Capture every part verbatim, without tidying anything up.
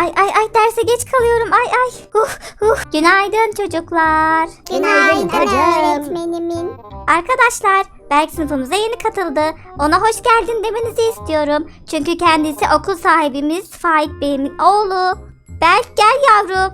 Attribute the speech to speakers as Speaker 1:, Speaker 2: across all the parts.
Speaker 1: Ay ay ay derse geç kalıyorum. Ay ay. Huh, huh. Günaydın çocuklar.
Speaker 2: Günaydın
Speaker 3: hocam.
Speaker 2: öğretmenimin.
Speaker 1: Arkadaşlar Berk sınıfımıza yeni katıldı. Ona hoş geldin demenizi istiyorum. Çünkü kendisi okul sahibimiz Faik Bey'in oğlu. Berk gel yavrum.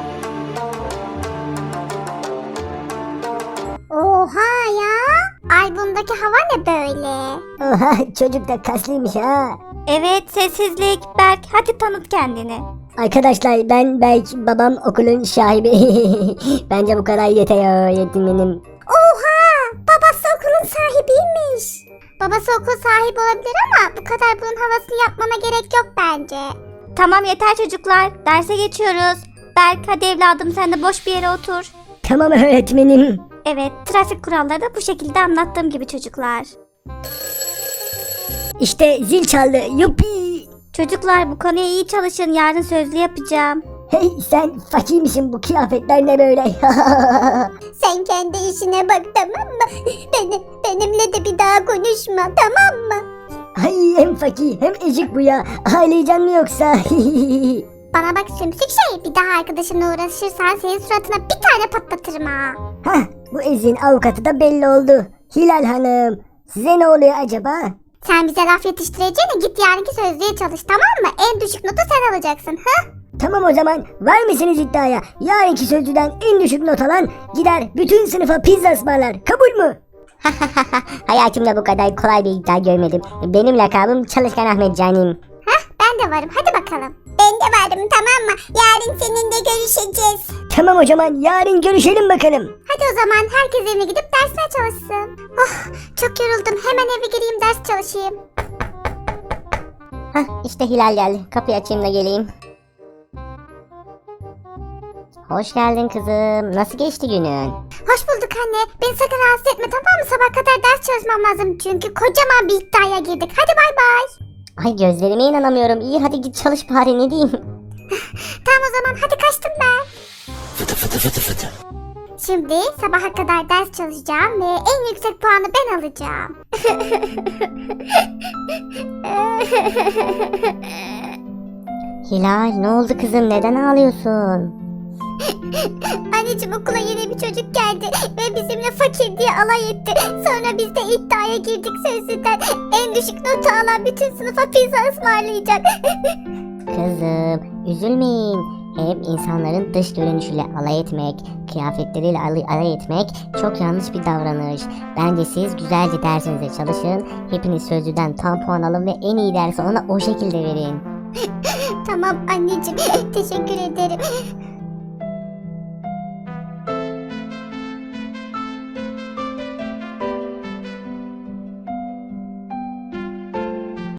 Speaker 2: Oha ya. Albümdeki hava ne böyle?
Speaker 3: Oha, çocuk da kaslıymış ha.
Speaker 1: Evet sessizlik. Berk hadi tanıt kendini.
Speaker 3: Arkadaşlar ben Berk, babam okulun sahibi. Bence bu kadar yeter öğretmenim.
Speaker 2: Oha. Babası okulun sahibiymiş. Babası okul sahibi olabilir ama bu kadar bunun havasını yapmana gerek yok bence.
Speaker 1: Tamam yeter çocuklar. Derse geçiyoruz. Berk hadi evladım sen de boş bir yere otur.
Speaker 3: Tamam öğretmenim.
Speaker 1: Evet trafik kuralları da bu şekilde anlattığım gibi çocuklar.
Speaker 3: İşte zil çaldı. Yuppi.
Speaker 1: Çocuklar bu konuya iyi çalışın. Yarın sözlü yapacağım.
Speaker 3: Hey sen fakir misin, bu kıyafetler ne böyle?
Speaker 2: Sen kendi işine bak, tamam mı? Beni, benimle de bir daha konuşma, tamam mı?
Speaker 3: Ay hem fakir hem ezik bu ya. Ağlayacaksın mı yoksa?
Speaker 2: Bana bak sümsük şey, bir daha arkadaşınla uğraşırsan senin suratına bir tane patlatırım ha.
Speaker 3: Hah, bu ezin avukatı da belli oldu. Hilal Hanım, size ne oluyor acaba?
Speaker 2: Sen bize laf yetiştireceğine git yarınki sözlüğe çalış, tamam mı? En düşük notu sen alacaksın, ha?
Speaker 3: Tamam o zaman, var mısınız iddiaya? Yarınki sözcüden en düşük not alan gider bütün sınıfa pizza ısmarlar. Kabul mü? Hayatımda bu kadar kolay bir iddia görmedim. Benim lakabım Çalışkan Ahmet Canim.
Speaker 2: Hah, ben de varım, hadi bakalım. Ben de varım, tamam mı? Yarın seninle görüşeceğiz.
Speaker 3: Tamam o zaman, yarın görüşelim bakalım.
Speaker 2: Hadi o zaman herkes evine gidip dersine çalışsın. Oh, çok yoruldum, hemen eve gireyim ders çalışayım.
Speaker 3: Hah, işte Hilal geldi. Kapıyı açayım da geleyim. Hoş geldin kızım. Nasıl geçti günün?
Speaker 2: Hoş bulduk anne. Beni sakın rahatsız etme, tamam mı? Sabah kadar ders çalışmam lazım çünkü kocaman bir iddiaya girdik. Hadi bay bay.
Speaker 3: Ay gözlerime inanamıyorum. İyi hadi git çalış bari, ne diyeyim.
Speaker 2: Tamam o zaman, hadi kaçtım ben.
Speaker 4: Fıtı fıtı fıtı fıtı.
Speaker 2: Şimdi sabaha kadar ders çalışacağım ve en yüksek puanı ben alacağım.
Speaker 3: Hilal ne oldu kızım, neden ağlıyorsun?
Speaker 2: Anneciğim, okula yeni bir çocuk geldi ve bizimle fakir diye alay etti. Sonra biz de iddiaya girdik sözlüden. En düşük notu alan bütün sınıfa pizza ısmarlayacak.
Speaker 3: Kızım üzülmeyin. Hep insanların dış görünüşüyle alay etmek, kıyafetleriyle alay, alay etmek çok yanlış bir davranış. Bence siz güzelce dersinize çalışın. Hepiniz sözlüden tam puan alın ve en iyi dersi ona o şekilde verin.
Speaker 2: Tamam anneciğim, teşekkür ederim.